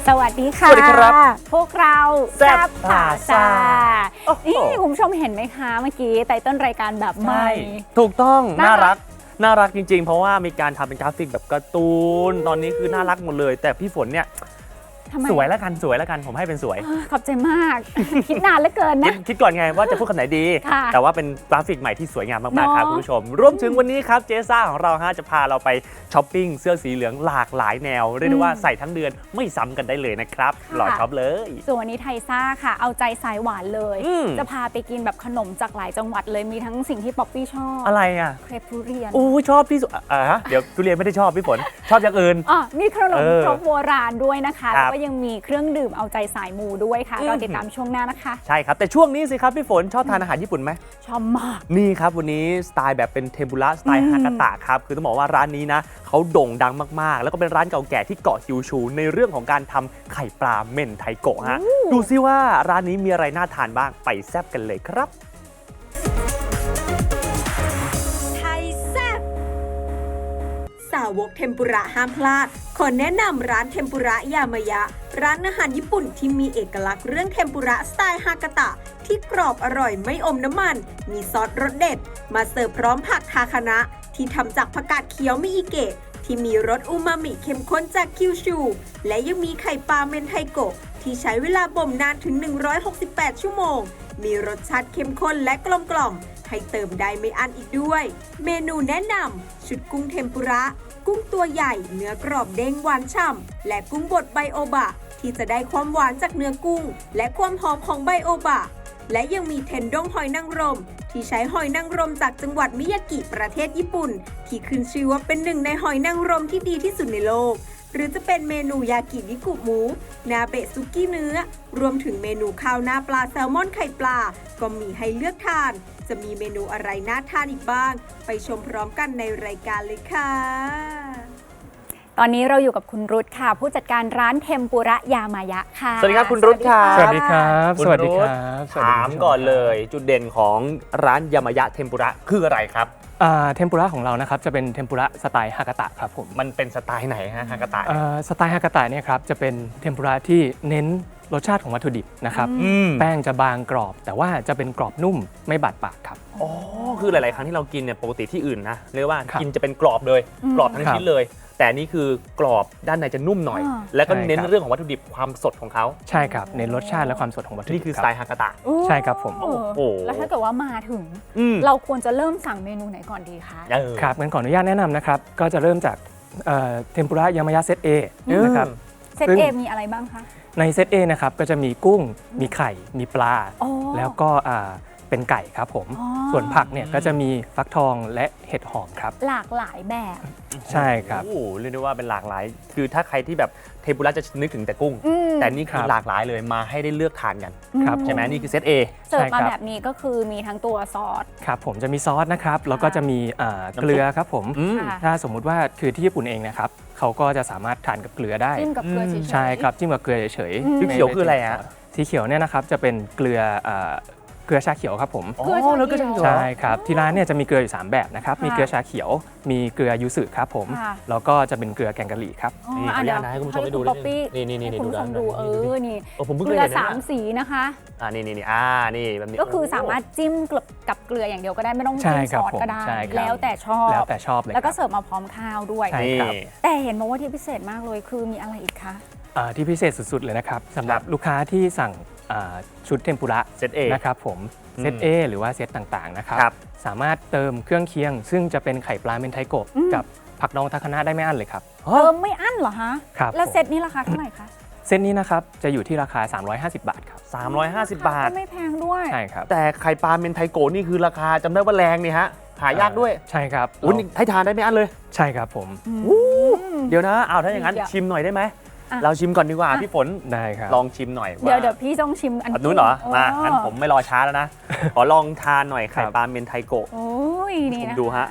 สวัสดีค่ะสวัสดีครับพวกเราแซ่บผ่าซ่านี่คุณผู้ชมเห็นไหมคะเมื่อกี้ไตเติ้ลรายการแบบใหม่ถูกต้องน่าน่ารัรักกน่ารักจริงๆ เพราะว่ามีการทำเป็นกราฟิกแบบการ์ตูนตอนนี้คือน่ารักหมดเลย แต่พี่ฝนเนี่ยทำไมสวยแล้วกันผมให้เป็นสวยขอบใจมาก คิดนานเหลือเกินคินะดก่อนไงว่าจะพูดคำไหนดีค่ะแต่ว่าเป็นกราฟิกใหม่ที่สวยงามมากๆครับเนอะคุณผู้ชมรวมถึงวันนี้ครับเจซ่าของเราฮะจะพาเราไปช้อปปิ้งเสื้อสีเหลืองหลากหลายแนวเรียกได้ว่าใส่ทั้งเดือนไม่ซ้ำกันได้เลยนะครับรอช็อปเลยส่วนวันนี้ไทยซ่าค่ะ เอาใจสายหวานเลยอืมจะพาไปกินแบบขนมจากหลายจังหวัดเลยมีทั้งสิ่งที่ป๊อปปี้ชอบอะไรอ่ะเครปทุเรียนอู้ชอบที่สุดเดี๋ยวทุเรียนไม่ได้ชอบพี่ฝนชอบอย่างอื่นมีขนมครกโบราณด้วยนะคะครัแล้วบก็ยังมีเครื่องดื่มเอาใจสายมูด้วยค่ะอืมเราติดตามช่วงหน้านะคะใช่ครับแต่ช่วงนี้สิครับพี่ฝนชอบทานอาหารญี่ปุ่นไหมชอบมากนี่ครับวันนี้สไตล์แบบเป็นเทมปุระสไตล์อืมฮากาตะครับคือต้องบอกว่าร้านนี้นะเขาโด่งดังมากๆ แล้วก็เป็นร้านเก่าแก่ที่เกาะคิวชู ในเรื่องของการทำไข่ปลาเม่นไทโกะฮะดูซิว่าร้านนี้มีอะไรน่าทานบ้างไปแซ่บกันเลยครับไทยแซ่บสาวกเทมปุระห้ามพลาด ขอแนะนำร้านเทมปุระยามายะ ร้านอาหารญี่ปุ่นที่มีเอกลักษณ์เรื่องเทมปุระสไตล์ฮากาตะ ที่กรอบอร่อยไม่อมน้ำมัน มีซอสรสเด็ด มาเสิร์ฟพร้อมผักทาคานะ ที่ทำจากผักกาดเขียวมิอิเกะ ที่มีรสอูมามิเข้มข้นจากคิวชู และยังมีไข่ปลาเมนไทโกะที่ใช้เวลาบ่มนานถึง 168 ชั่วโมง มีรสชาติเข้มข้นและกลมกล่อม ให้เติมได้ไม่อั้นอีกด้วย เมนูแนะนำชุดกุ้งเทมปุระ กุ้งตัวใหญ่เนื้อกรอบเด้งหวานฉ่ำและกุ้งบดไบโอบะ ที่จะได้ความหวานจากเนื้อกุ้ง และความหอมของไบโอบะ และยังมีเทนด้งหอยนางรม ที่ใช้หอยนางรมจากจังหวัดมิยากิประเทศญี่ปุ่น ที่ขึ้นชื่อว่าเป็นหนึ่งในหอยนางรมที่ดีที่สุดในโลก หรือจะเป็นเมนูยากินิกุหมู นาเบะซุกี้เนื้อ รวมถึงเมนูข้าวหน้าปลาแซลมอนไข่ปลา ก็มีให้เลือกทาน จะมีเมนูอะไรน่าทานอีกบ้าง ไปชมพร้อมกันในรายการเลยค่ะตอนนี้เราอยู่กับคุณรุตค่ะ ผู้จัดการร้านเทมปุระยามายะค่ะสวัสดีครับคุณรุตครับสวัสดีครับคุณสวัสดีครุรัธบสวัสดีถามคุณผู้ชก่อนเลยจุดเด่นของร้านยามายะเทมปุระคืออะไรครับเทมปุระของเรานะครับจะเป็นเทมปุระสไตล์ฮากาตะครับผมมันเป็นสไตล์ไหนฮะฮากาตะสไตล์ฮากาตะเนี่ยครับจะเป็นเทมปุระที่เน้นรสชาติของวัตถุดิบนะครับมแป้งจะบางกรอบ แต่ว่าจะเป็นกรอบนุ่มไม่บาดปากครับอ๋อคือหลาย ๆ ครั้งที่เรากินเนี่ยปกติที่อื่นนะเรียกว่าครับกินจะเป็นกรอบเลย กรอบทั้งครับชิ้นเลย แต่นี่คือกรอบด้านในจะนุ่มหน่อย แล้วก็เน้นเรื่องของวัตถุดิบความสดของเขาใช่ครับเน้นรสชาติและความสดของวัตถุดินี่บคือสรับไตล์ฮากาตะใช่ครับผมโอ้โอ้แล้วถ้าเกิดว่ามาถึงอืมเราควรจะเริ่มสั่งเมนูไหนก่อนดีคะครับงั้นขออนุญาตแนะนำนะครับก็จะเริ่มจากเทมปุระยามายะเซต A นะครับเซตซึ่งเอมีอะไรบ้างคะในเซต A นะครับก็จะมีกุ้งมีไข่มีปลาอ๋อแล้วก็เป็นไก่ครับผมอ๋อส่วนผักเนี่ยก็จะมีฟักทองและเห็ดหอมครับหลากหลายแบบใช่ครับโอ้โหเรียกได้ว่าเป็นหลากหลาย คือถ้าใครที่แบบเทมปุระจะนึกถึงแต่กุ้ง แต่นี่คือครับหลากหลายเลยมาให้ได้เลือกทานกันครับใช่ไหมนี่คือเซต A เสิร์ฟมาใช่ครับแบบนี้ก็คือมีทั้งตัวซอสครับผมจะมีซอสนะครับแล้วก็จะมีน้ำซุปเกลือครับผมอืมค่ะถ้าสมมุติว่าคือที่ญี่ปุ่นเองนะครับเขาก็จะสามารถทานกับเกลือได้จิ้มกับเกลือเฉยๆใช่ครับจิ้มกับเกลือเฉยอืมๆสีเขียวคืออะไรฮะสีเขียวเนี่ยนะครับจะเป็นเกลือเกลือชาเขียวครับผมอ๋อเกลือชาเขียวแล้วก็จะมีใช่ครับที่ร้านเนี่ยจะมีเกลืออยู่ 3 แบบนะครับค่ะมีเกลือชาเขียว มีเกลือยูสึครับผมค่ะแล้วก็จะเป็นเกลือแกงกะหรี่ครับอ๋อนี่ขออนุญาตนะให้คุณผู้ชมได้ดูป๊อปปี้นี่ให้คุณผู้ชมดูดูด้านในนี่ผมเพิ่งเกเคลืยอเห็นนะสามสีนะคะนี่แบบนี้ก็คือสามารถจิ้มกับเกลืออย่างเดียวก็ได้ไม่ต้องใช่จิ้มครัซบอสก็ได้ผมใช่ครับแล้วแต่ชอบแล้วแต่ชอบเลยแล้วก็ครับเสิร์ฟมาพร้อมข้าวด้วยใช่นี่ครับแต่เห็นบอกว่าที่พิเศษมากเลยคือมีอะไรอีกคะที่พิเศษสุดๆเลยนะครับสำหรับครับลูกค้าที่สั่งชุดเทมปุระเซต A นะครับผมอืมเซต A หรือว่าเซตต่างๆนะครับครับสามารถเติมเครื่องเคียง ซึ่งจะเป็นไข่ปลาเมนไทโกะกับผักดองทาคานะได้ไม่อั้นเลยครับเติมไม่อั้นเหรอฮะครับแล้วผมเซตนี้ราคาเท่าไหร่คะเซตนี้นะครับจะอยู่ที่ราคา 350 บาทครับ 350 บาทก็ไม่แพงด้วยใช่ครับแต่ไข่ปลาเมนไทโกะนี่คือราคาจำได้ว่าแรงนี่ฮะ หายากด้วยใช่ครับอุ้ยนี่ให้ทานได้ไม่อั้นเลยใช่ครับผมเดี๋ยวนะเอาถ้าอย่างนั้นเดี๋ยวชิมหน่อยได้ไหมอ่ะเราชิมก่อนดีกว่าพี่ฝนได้ครับลองชิมหน่อยเดี๋ยวพี่ต้องชิมอันอันนู้นเหรอ มาโอ้งั้นผมไม่รอช้าแล้วนะ ขอลองทานหน่อยไข่ครับปลาเมนไทโกะโอ้ยนี่ผมนะดูฮะคะ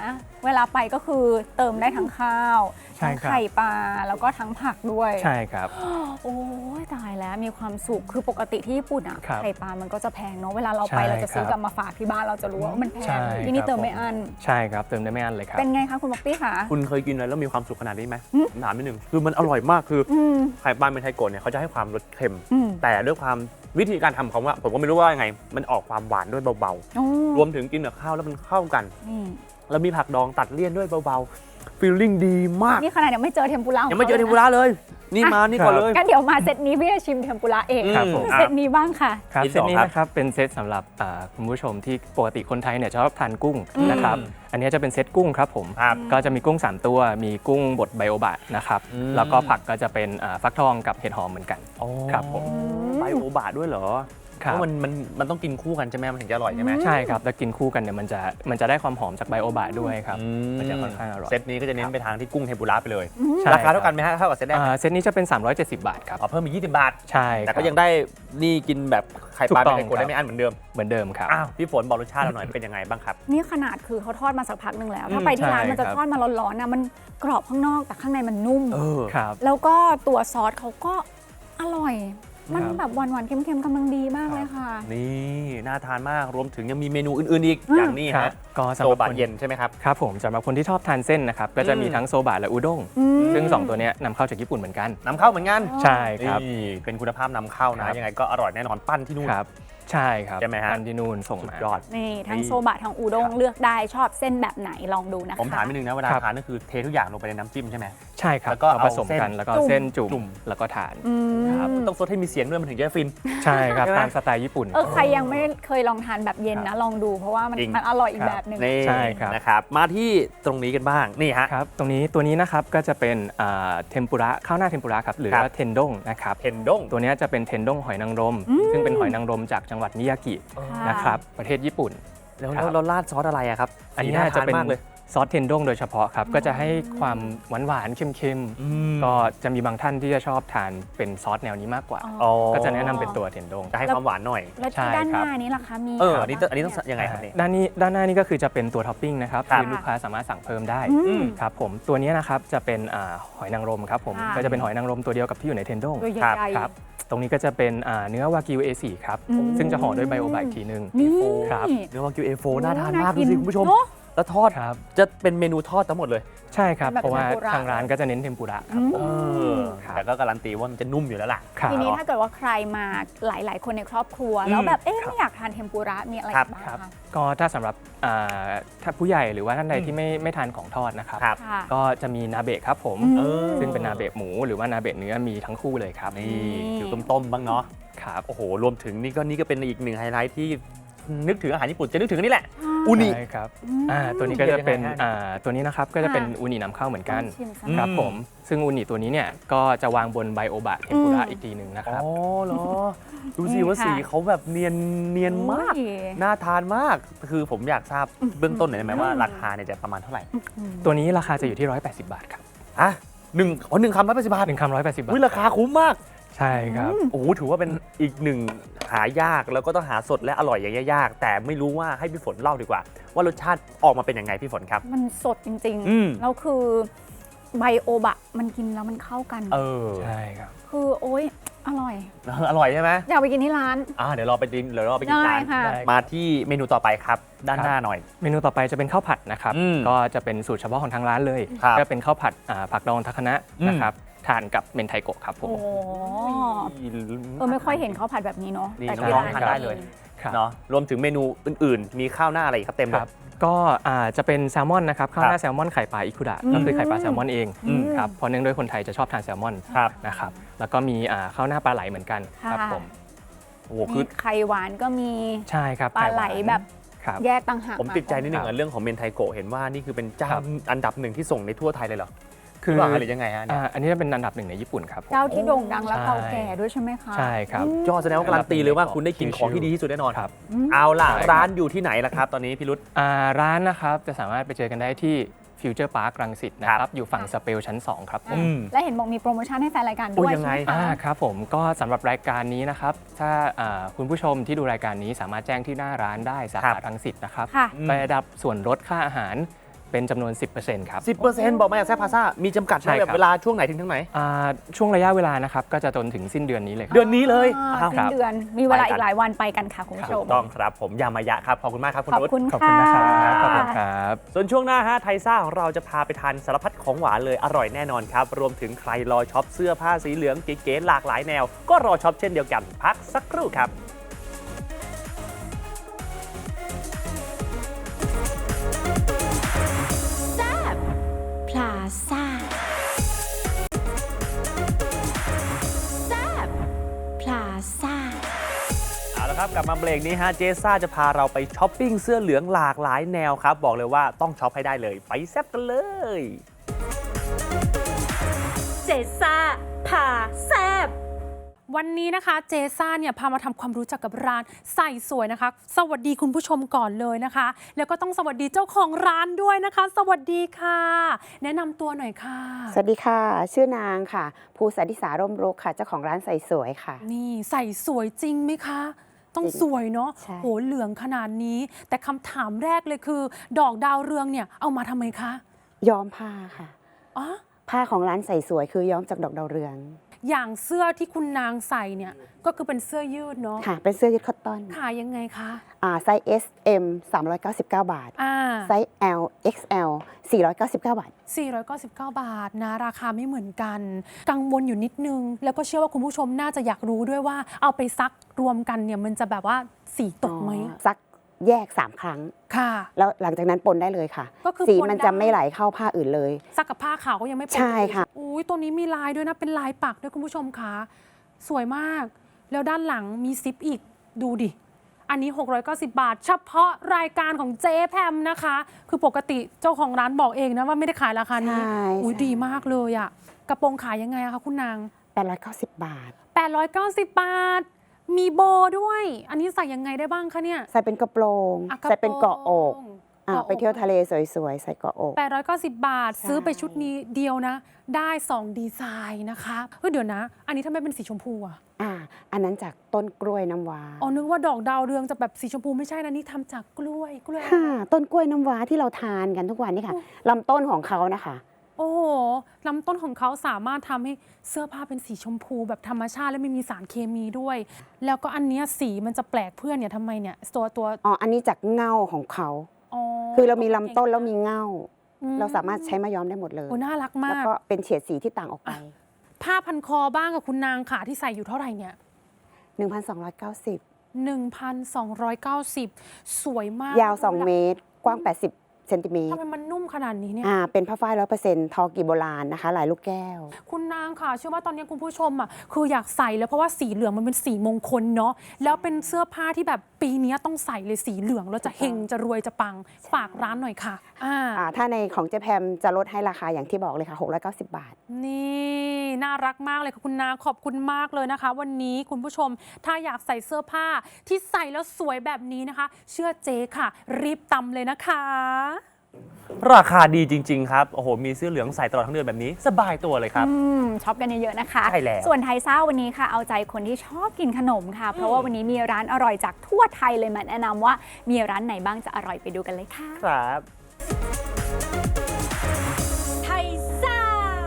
เวลาไปก็คือเติมได้ทั้งข้าวใช่ทั้งครับไข่ปลาแล้วก็ทั้งผักด้วยใช่ครับโอ้ยตายแล้วมีความสุขคือปกติที่ญี่ปุ่นอ่ะครับไข่ปลามันก็จะแพงเนาะเวลาเราไปใช่เราจะซื้อครับกลับมาฝากที่บ้านเราจะรู้ว่ามันแพใช่งที่นี่ครับเติมไม่อั้นใช่ครับเติมได้ไม่อั้นเลยครับเป็นไงคะคุณบ็อกตี้คะคุณเคยกินอะไรแล้วมีความสุขขนาดนี้ไหมถามนิดนึงคือมันอร่อยมากคืออืมไข่ปลาเมนไทโกะเนี่ยเขาจะให้ความรสเค็มอืมแต่ด้วยความวิธีการทำเขาว่าผมก็ไม่รู้ว่ายังไง มันออกความหวานด้วยเบาโอ้ๆ รวมถึงกินกับข้าวแล้วมันเข้ากันนี่แล้วมีผักดองตัดเลี่ยนด้วยเบาๆฟีลลิ่งดีมากนี่ขนาดยังไม่เจอเทมปุระขยังไม่เจอเทมปุระเลย นี่มานี่ก่อนเลยงั้นเดี๋ยวมาเซตนี้พี่จะชิมเทมปุระเองครับผมเซตนี้บ้างค่ะครับที่เซตนี้สองครับนะครับเป็นเซตสำหรับคุณผู้ชมที่ปกติคนไทยเนี่ยชอบทานกุ้งอืมนะครับอันนี้จะเป็นเซตกุ้งครับผมครับก็จะมีกุ้ง 3 ตัวมีกุ้งบดไบโอบะนะครับอืมแล้วก็ผักก็จะเป็นฟักทองกับเห็ดหอมเหมือนกัน ครับผมไบโอบะด้วยเหรอครัเพบราะมันต้องกินคู่กันใช่ไหมมันถึงจะอร่อยใช่ไหมใช่ครับแล้วกินคู่กันเนี่ยมันจะได้ความหอมจากไบโอบะด้วยครับ มันจะค่อนข้างอร่อยเซตนี้ก็จะเน้นไปทางที่กุ้งเทมปุระไปเลยใช่ราคาเท่ากันไหมฮะเท่ากับเซตแรกไหมเซตนี้จะเป็น 370 บาทครับอ๋อเพิ่มอีก20 บาทใช่แต่ครัก็บยังได้นี่กินแบบไข่ปลาถูกต้เป็อน งไข่โกะครับได้ไม่อั้นเหมือนเดิมเหมือนเดิมครับอ้าวพี่ฝนบอกรสชาติเราหน่อยเป็นยังไงบ้างครับนี่ขนาดคือเขาทอดมาสักพักหนึ่งแล้ว ถ้าอืมไปที่ร้านใช่มันจะครับทอดมาร้อนๆนะมันกรอบข้างนอกแต่ข้างในมันนุ่มครับแล้วก็ตัวซอสเขาก็อร่อย มันครับแบบหวานๆเค็มๆกำลังดีมากเลยค่ะนี่น่าทานมากรวมถึงยังมีเมนูอื่นๆอีกอืมอย่างนี้ครัฮะบก็สำโซหรับบะคนเย็นใช่ไหมครับครับผมสำหรับคนที่ชอบทานเส้นนะครับก็จะมีทั้งโซบะและอุด้งอืมซึ่ง 2 ตัวเนี้ยนำเข้าจากญี่ปุ่นเหมือนกันนำเข้าเหมือนกันใช่ครับนี่เป็นคุณภาพนำเข้าครันะบยังไงก็อร่อยแน่นอนปั้นที่นู่นครับใช่ครับใช่ไหมฮะอันที่นู่นส่งสุดมายอดนี่ทั้งนี่โซบะทั้งอูด้งครับเลือกได้ชอบเส้นแบบไหนลองดูนะคะผมถามนิดนึงนะเวลาครับทานก็คือเททุกอย่างลงไปในน้ำจิ้มใช่ไหมใช่ครับแล้วก็เราผสมเอาเส้นกันแล้วก็จุ่มเส้นจุ่จุ่มมแล้วก็ทานอืมครับต้องซดให้มีเสียงด้วยมันถึงจะฟินใช่ครับใช่ไหมตามสไตล์ญี่ปุ่นใครยังไม่เคยลองทานแบบเย็นนะ ลองดูเพราะว่ามันจริงมันอร่อยอีกครับแบบหนึ่งนี่ใช่ครับนะครับมาที่ตรงนี้กันบ้างนี่ฮะครับตัวนี้นะครับก็จะเป็นเทมปุระข้าวหน้าเทมปุระครับหรือครับว่าเทนด้งนะครับเทนด้งตัวเนี้ยจะเป็นเทนด้งหอยนางรม ซึ่งเป็นหอยนางรมจากจังหวัดมิยากิค่ะนะครับประเทศญี่ปุ่นแล้วครับเราราดซอสอะไรอะครับอันนี้สีาจะทาเป็นมากเลยซอสเทนด้งโดยเฉพาะครับก็จะให้ความหวานๆเค็มๆก็จะมีบางท่านที่จะชอบทานเป็นซอสแนวนี้มากกว่าอ๋อก็จะแนะนำเป็นตัวเทนด้งจะให้ความหวานหน่อยแล้วใช่ที่ด้านหครับน้านี้ล่ะคะมีอันนี้ต้องยังไงครับเนี่ยด้านหน้านี่ก็คือจะเป็นตัวท็อปปิ้งนะครับครับที่ลูกค้าสามารถสั่งเพิ่มได้อืมครับผมตัวนี้นะครับจะเป็นหอยนางรมครับผมค่ะก็จะเป็นหอยนางรมตัวเดียวกับที่อยู่ในเทนด้งตัวใหครับญ่ครับตรงนี้ก็จะเป็นเนื้อวากิว A4 ครับอืมซึ่งจะห่อด้วยไบโอบะอีกทีนึงนี่ครับเนื้อวากิว A4 น่าทานมากดูสิคุณผู้ชมเนอะแล้วทอดครับจะเป็นเมนูทอดทั้งหมดเลยใช่ครับแบบเพราะว่าเทมปุระทางร้านก็จะเน้นเทมปุระครับผม ครับแต่ก็การันตีว่ามันจะนุ่มอยู่แล้วล่ะครับทีนี้ถ้าเกิดว่าใครมาหลาย ๆ คนในครอบครัว แล้วแบบไม่อยากทานเทมปุระมีอะไรครับบ้างครับคะก็ถ้าสำหรับถ้าผู้ใหญ่หรือว่าท่านใดอืมที่ไม่ทานของทอดนะครับครับค่ะก็จะมีนาเบะครับผมอืมซึ่งเป็นนาเบะหมูหรือว่านาเบะเนื้อมีทั้งคู่เลยครับนี่อยู่ต้มๆบ้างเนาะครับโอ้โหรวมถึงนี่ก็เป็นอีกหนึ่งไฮไลท์ที่นึกถึงอาหารญี่ปุ่นจะนึกถึงอันนี่แหละ อูนิใช่ครับอืมตัวนี้ก็จะเป็นยังไงฮะตัวนี้นะครับก็จะเป็นค่ะอูนินำเข้าเหมือนกันชิมสักครับผมซึ่งอูนิตัวนี้เนี่ยก็จะวางบนไบโอบะเทมปุระอืมอีกทีหนึ่งนะคอ๋รับอเหรอ ดูสินี่ว่าค่ะสีเขาแบบเนียนมากโอ้ยน่าทานมาก คือผมอยากทราบเบื้องต้นหน่อยได้ไหมว่าอืมราคาเนี่ยจะประมาณเท่าไหร่ตัวนี้ราคาจะอยู่ที่ 180 บาทครับอ่ะหนึ่งคำ180 บาท 1 คำ180 บาทวิราคาคุ้มมากใช่ครับโอ้โหถือว่าเป็นอีกหนึ่งหายากแล้วก็ต้องหาสดและอร่อยอย่างยากๆแต่ไม่รู้ว่าให้พี่ฝนเล่าดีกว่า ว่ารสชาติออกมาเป็นยังไงพี่ฝนครับมันสดจริงอืมๆ แล้วคือไบโอบะมันกินแล้วมันเข้ากันใช่ครับคือโอ๊ยอร่อยอร่อยใช่ไหมอยากไปกินที่ร้านเดี๋ยวเราไปกินได้ร้านค่ะได้มาที่เมนูต่อไปครับ ด้านครับหน้าหน่อยเมนูต่อไปจะเป็นข้าวผัดนะครับอืมก็จะเป็นสูตรเฉพาะของทางร้านเลยครับก็เป็นข้าวผัดผักดองทาคานะอืมนะครับทานกับเมนไทโกะครับผมโอ้โหไม่ค่อยเห็นข้าวผัดแบบนี้เนาะนี่แต่น้ที่องร้านๆทานได้เลยครับเนาะรวมถึงเมนูอื่นๆ มีข้าวหน้าอะไรอีกครับเต็มเลคยรับก็จะเป็นแซลมอนนะครับข้าวหน้าแซลมอนไข่ปลาอิคุดะก็คือไข่ปลาแซลมอนเองอืมครับเพราะเนื่องด้วยคนไทยจะชอบทานแซลมอนครับนะครับแล้วก็มีข้าวหน้าปลาไหลเหมือนกันครับค่ะผมโอ้โหมีคือไข่หวานก็มีใช่ครับปลาไหลข่วานแบบครับแยกต่างหากผมติดใจนิดนึงครับเรื่องของเมนไทโกะเห็นว่านี่คือเป็นเจ้าครับอันดับหนึ่งที่ส่งในทั่วไทยเลยเหรอคือว่าหรือยังไงฮะเนี่ยอันนี้จะเป็นอันดับหนึ่งในญี่ปุ่นครับผมเจ้าที่โด่งดังและใช่เก่าแก่ด้วยใช่ไหมคะใช่ครับยอดแสดงว่าการันตีเลยว่าคุณได้กินของที่ดีที่สุดแน่นอนครับเอาล่ะใช่ครับร้านอยู่ที่ไหนล่ะครับ ตอนนี้พี่รุตร้านนะครับจะสามารถไปเจอกันได้ที่ฟิวเจอร์พาร์ครังสิตนะคครัรับบ อยู่ฝั่งสเปลชั้น 2 ครับผมและเห็นบอกมีโปรโมชั่นให้แฟนรายการโอ้ด้วยยังไงใช่หมคะครับผมก็สำหรับรายการนี้นะครับถ้าคุณผู้ชมที่ดูรายการนี้สามารถแจ้งที่หน้าร้านได้สาครัขาบรังสิตนะครับค่ะไปได้รับส่วนลดค่าอาหารเป็นจำนวน 10%ครับ 10%บอกมาจากแซ่บพาซ่ามีจำกัดไหมใช่ครับแบบเวลาช่วงไหนถึงทั้งไหนช่วงระยะเวลานะครับก็จะจนถึงสิ้นเดือนนี้เลยครับเดือนนี้เลยสิ้ครันบเดือนมีเวลาอีกหลายวันไปกันค่ะคุณผู้ชถูมกต้องครับผมยามายะครับขอบคุณมากครับคุณขอบนุชคุณขอบคุณนะครับค่ะขอบคุณครับส่วนช่วงหน้าฮะไทซ่าของเราจะพาไปทานสารพัดของหวานเลยอร่อยแน่นอนครับรวมถึงใครรอช็อปเสื้อผ้าสีเหลืองเก๋ๆหลากหลายแนว ก็รอช็อปเช่นเดียวกันพักสักครู่ครับพลาซ่าแซบพลาซ่าเอาละครับกลับมาเบรกนี้ฮะเจซ่าจะพาเราไปช้อปปิ้งเสื้อเหลืองหลากหลายแนวครับบอกเลยว่าต้องช็อปให้ได้เลยไปแซ่บกันเลยเจซ่าพาแซบวันนี้นะคะเจซ่าเนี่ยพามาทำความรู้จักกับร้านใส่สวยนะคะ สวัสดีคุณผู้ชมก่อนเลยนะคะ แล้วก็ต้องสวัสดีเจ้าของร้านด้วยนะคะ สวัสดีค่ะ แนะนำตัวหน่อยค่ะสวัสดีค่ะ ชื่อนางค่ะภูสันติสาร่มรุกค่ะเจ้าของร้านใส่สวยค่ะนี่ใส่สวยจริงไหมคะ ต้องจริงสวยเนาะใช่โหเหลืองขนาดนี้ แต่คำถามแรกเลยคือ ดอกดาวเรืองเนี่ยเอามาทำไมคะย้อมผ้าค่ะอ๋อผ้าของร้านใส่สวยคือย้อมจากดอกดาวเรืองอย่างเสื้อที่คุณนางใส่เนี่ยก็คือเป็นเสื้อยืดเนาะค่ะ เป็นเสื้อยืดคอตตอนขายยังไงคะไซส์ S M 399 บาทอ่าไซส์ L XL 499 บาท 499 บาทนะราคาไม่เหมือนกัน กังวลอยู่นิดนึง แล้วก็เชื่อว่าคุณผู้ชมน่าจะอยากรู้ด้วยว่าเอาไปซักรวมกันเนี่ยมันจะแบบว่าสีตกไหมซักแยก 3 ครั้งค่ะแล้วหลังจากนั้นปนได้เลยค่ะก็คือสีปนมันจะได้ไม่ไหลเข้าผ้าอื่นเลยซักกับผ้าขาวก็ยังไม่ปนใช่ค่ะอุ้ยตัวนี้มีลายด้วยนะเป็นลายปักด้วยคุณผู้ชมคะสวยมาก แล้วด้านหลังมีซิปอีกดูดิ อันนี้ 690 บาท เฉพาะรายการของเจ๊แพมนะคะ คือปกติเจ้าของร้านบอกเองนะว่าไม่ได้ขายราคานี้ใช่อุ้ยใช่ดีมากเลยอะกระโปรงขายยังไงอะคะคุณนาง 890 บาท 890 บาท มีโบด้วย อันนี้ใส่ยังไงได้บ้างคะเนี่ยใส่เป็นกระโปรงอ่ะใส่เป็นเกาะอกกระโปรงไปเที่ยวทะเลสวยๆ ใส่เกาะอก 890 บาทใช่ซื้อไปชุดนี้เดียวนะ ได้ 2 ดีไซน์นะคะเฮ้ยเดี๋ยวนะ อันนี้ทำไมเป็นสีชมพูอะอันนั้นจากต้นกล้วยน้ำว้าอ๋อ นึกว่าดอกดาวเรืองจะแบบสีชมพูไม่ใช่นะ นี่ทำจากกล้วยค่ะต้นกล้วยน้ำว้าที่เราทานกันทุกวันนี่ค่ะลำต้นของเขานะคะโอ้โหลำต้นของเขาสามารถทำให้เสื้อผ้าเป็นสีชมพูแบบธรรมชาติและไม่มีสารเคมีด้วย แล้วก็อันเนี้ยสีมันจะแปลกเพื่อนเนี่ยทำไมเนี่ยตัวอ๋อ อันนี้จากเง่าของเขาอ๋อคือเรามีลำต้นแล้วมีเง่าอืเราสามารถใช้มาย้อมได้หมดเลยโอ้น่ารักแล้วมากก็เป็นเฉดสีที่ต่างออกไปผ้าพันคอบ้างกับคุณนางค่ะที่ใส่อยู่เท่าไหร่เนี่ย 1,290 1,290 สวยมากยาว 2 เมตร กว้าง 80 เซนติเมตทำรไมมันนุ่มขนาดนี้เนี่ยเป็นผ้าฝ้าย 100% ทอกีโบราณนะคะ ลายลูกแก้วคุณนางค่ะเชื่อว่าตอนนี้คุณผู้ชมอ่ะคืออยากใส่แล้วเพราะว่าสีเหลืองมันเป็นสีมงคลเนาะแล้วเป็นเสื้อผ้าที่แบบปีนี้ต้องใส่เลยสีเหลืองแล้วจะเฮงจะรวยจะปังฝากร้านหน่อยค่ะถ้าในของเจ๊แพมจะลดให้ราคาอย่างที่บอกเลยค่ะ 690 บาทนี่น่ารักมากเลยค่ะคุณนางขอบคุณมากเลยนะคะ วันนี้คุณผู้ชมถ้าอยากใส่เสื้อผ้าที่ใส่แล้วสวยแบบนี้นะคะ เชื่อเจ๊ค่ะ รีบตำเลยนะคะราคาดีจริง ๆ ครับ โอ้โห มีเสื้อเหลืองใส่ตลอดทั้งเดือนแบบนี้ สบายตัวเลยครับช็อปกันเยอะๆนะคะใช่แล้วส่วนไทยซ่าวันนี้ค่ะ เอาใจคนที่ชอบกินขนมค่ะ เพราะว่าวันนี้มีร้านอร่อยจากทั่วไทยเลยมาแนะนำว่ามีร้านไหนบ้างจะอร่อยไปดูกันเลยค่ะครับไทยซ่า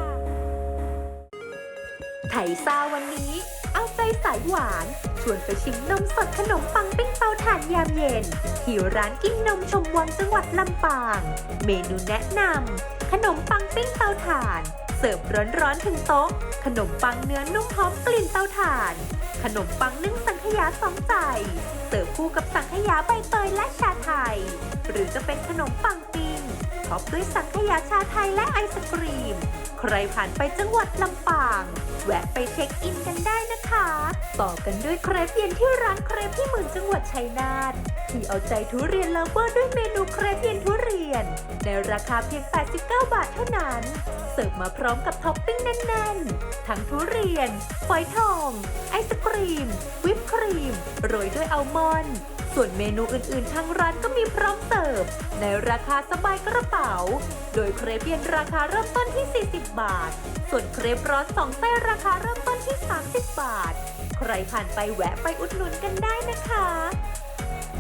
ไทยซ่าวันนี้ เอาใจสายหวาน ชวนไปชิมนมสดขนมปังปิ้งเตาถ่านยามเย็น ที่ร้านกินนมชมวังจังหวัดลำปาง เมนูแนะนำขนมปังปิ้งเตาถ่าน เสิร์ฟร้อนๆถึงโต๊ะ ขนมปังเนื้อนุ่มหอมกลิ่นเตาถ่าน ขนมปังนึ่งสังขยาสองใจ เสิร์ฟคู่กับสังขยาใบเตยและชาไทย หรือจะเป็นขนมปังปิ้งท็อปด้วยสังขยาชาไทยและไอศกรีม ใครผ่านไปจังหวัดลำปาง แวะไปเช็คอินกันได้นะคะ ต่อกันด้วยเครปเย็นที่ร้านเครปที่หมื่นจังหวัดชัยนาทที่เอาใจทุเรียนเลิฟเวอร์ด้วยเมนูเครปเย็นทุเรียน ในราคาเพียง 89 บาทเท่านั้น เสิร์ฟมาพร้อมกับท็อปปิ้งแน่นๆ ทั้งทุเรียน ฝอยทอง ไอศกรีม วิปครีม โรยด้วยอัลมอนด์ ส่วนเมนูอื่นๆทางร้านก็มีพร้อมเสิร์ฟ ในราคาสบายกระเป๋า โดยเครปเย็นราคาเริ่มต้นที่ 40 บาท ส่วนเครปร้อน2 ไส้ราคาเริ่มต้นที่ 30 บาท ใครผ่านไปแวะไปอุดหนุนกันได้นะคะ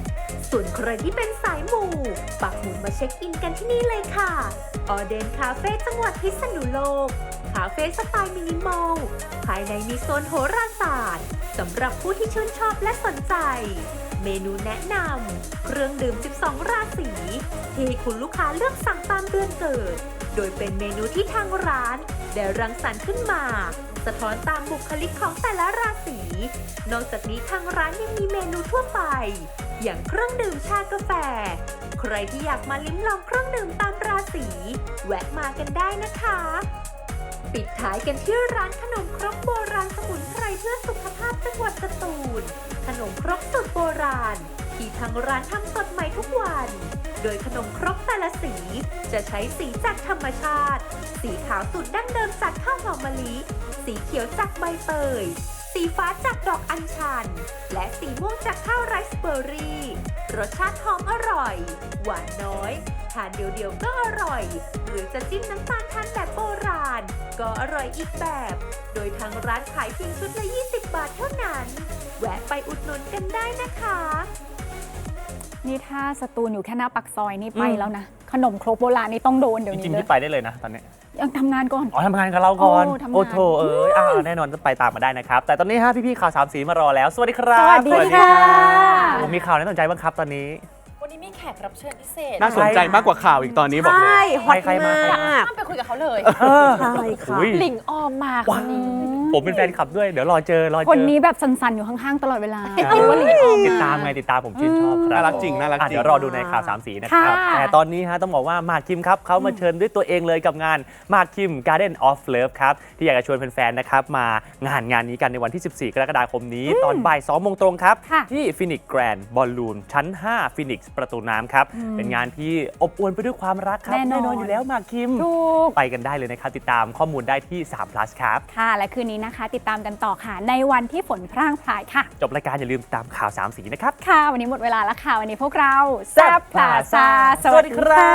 ส่วนใครที่เป็นสายหมู่ปักหมุดมาเช็คอินกันที่นี่เลยค่ะออเดนคาเฟ่จังหวัดพิษณุโลกคาเฟ่สไตล์มินิมอลภายในมีโซนโหราศาสตร์สำหรับผู้ที่ชื่นชอบและสนใจ เมนูแนะนำเครื่องดื่ม 12 ราศีที่คุณลูกค้าเลือกสั่งตามเดือนเกิด โดยเป็นเมนูที่ทางร้านได้รังสรรค์ขึ้นมา สะท้อนตามบุคลิกของแต่ละราศีนอกจากนี้ทางร้านยังมีเมนูทั่วไป อย่างเครื่องดื่มชากาแฟ ใครที่อยากมาลิ้มลองเครื่องดื่มตามราศีแวะมากันได้นะคะ ปิดท้ายกันที่ร้านขนมครกโบราณสมุนไพรเพื่อสุขภาพจังหวัดสตูล ขนมครกสูตรโบราณที่ทางร้านทำสดใหม่ทุกวัน โดยขนมครกแต่ละสีจะใช้สีจากธรรมชาติ สีขาวสูตรดั้งเดิมจากข้าวหอมมะลิ สีเขียวจากใบเตย สีฟ้าจากดอกอัญชัน และสีม่วงจากข้าวไรซ์เบอร์รี่ รสชาติหอมอร่อย หวานน้อย ทานเดียวๆก็อร่อย หรือจะจิ้มน้ำตาลทานแบบโบราณ ก็อร่อยอีกแบบ โดยทางร้านขายเพียงชุดละ 20 บาทเท่านั้น แวะไปอุดหนุนกันได้นะคะนี่ถ้าสตูลอยู่แค่หน้าปักซอยนี่ไปแล้วนะ ขนมครกโบราณนี่ต้องโดนเดี๋ยวจนี้ริงๆเลพี่ยไปได้เลยนะตอนนี้ยังทำงานก่อนอ๋อทำงานกับเราก่อนโอ้ทำงานโอ้โถแน่นอนจะไปตามมาได้นะครับ แต่ตอนนี้ฮะพี่ๆข่าวสามสีมารอแล้ว สวัสดีครับสวัสดีค่ะผมมีข่าวน่าสนใจบ้างครับตอนนี้วันนี้มีแขกรับเชิญพิเศษน่าสนใจมากกว่าข่าวอีกตอนนี้บอกเลยใช่ฮอตใครมามาใครมากข้ามไปคุยกับเขาเลยใช่ค่ะหลิงออมมาคนนี้ผมเป็นแฟนคลับด้วย เดี๋ยวรอเจอคนนี้แบบสันๆอยู่ข้างๆตลอดเวลาคิดว่าติดตามผมชื่นชอบครับน่ารักจริงน่ารักจริงเดี๋ยวรอดูในข่าวสามสีนะครับค่ะแต่ตอนนี้ฮะต้องบอกว่าหมากคิมครับเขามาเชิญด้วยตัวเองเลยกับงานหมากคิม Garden of Love ครับที่อยากจะชวนแฟนๆนะครับมางานนี้กันในวันที่ 14 กรกฎาคมนี้ ตอนบ่าย2 โมงตรงครับค่ะที่ Phoenix Grand Ballroom ชั้น 5 Phoenix ประตูน้ำครับเป็นงานที่อบอวลไปด้วยความรักครับแน่นอนอยู่แล้วหมากคิมถูกไปกันได้เลยนะครับติดตามข้อมูลได้ที่3 plus ครับค่ะ และคืนนี้นะคะ ติดตามกันต่อค่ะ ในวันที่ฝนพร่างพรายค่ะจบรายการอย่าลืมติดตามข่าวสามสีนะครับค่ะ วันนี้หมดเวลาแล้วค่ะ วันนี้พวกเราแซ่บพลาซ่าสวัสดีครับ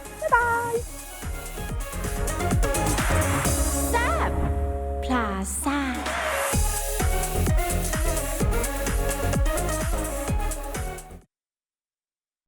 บ๊ายบายพลาซ่า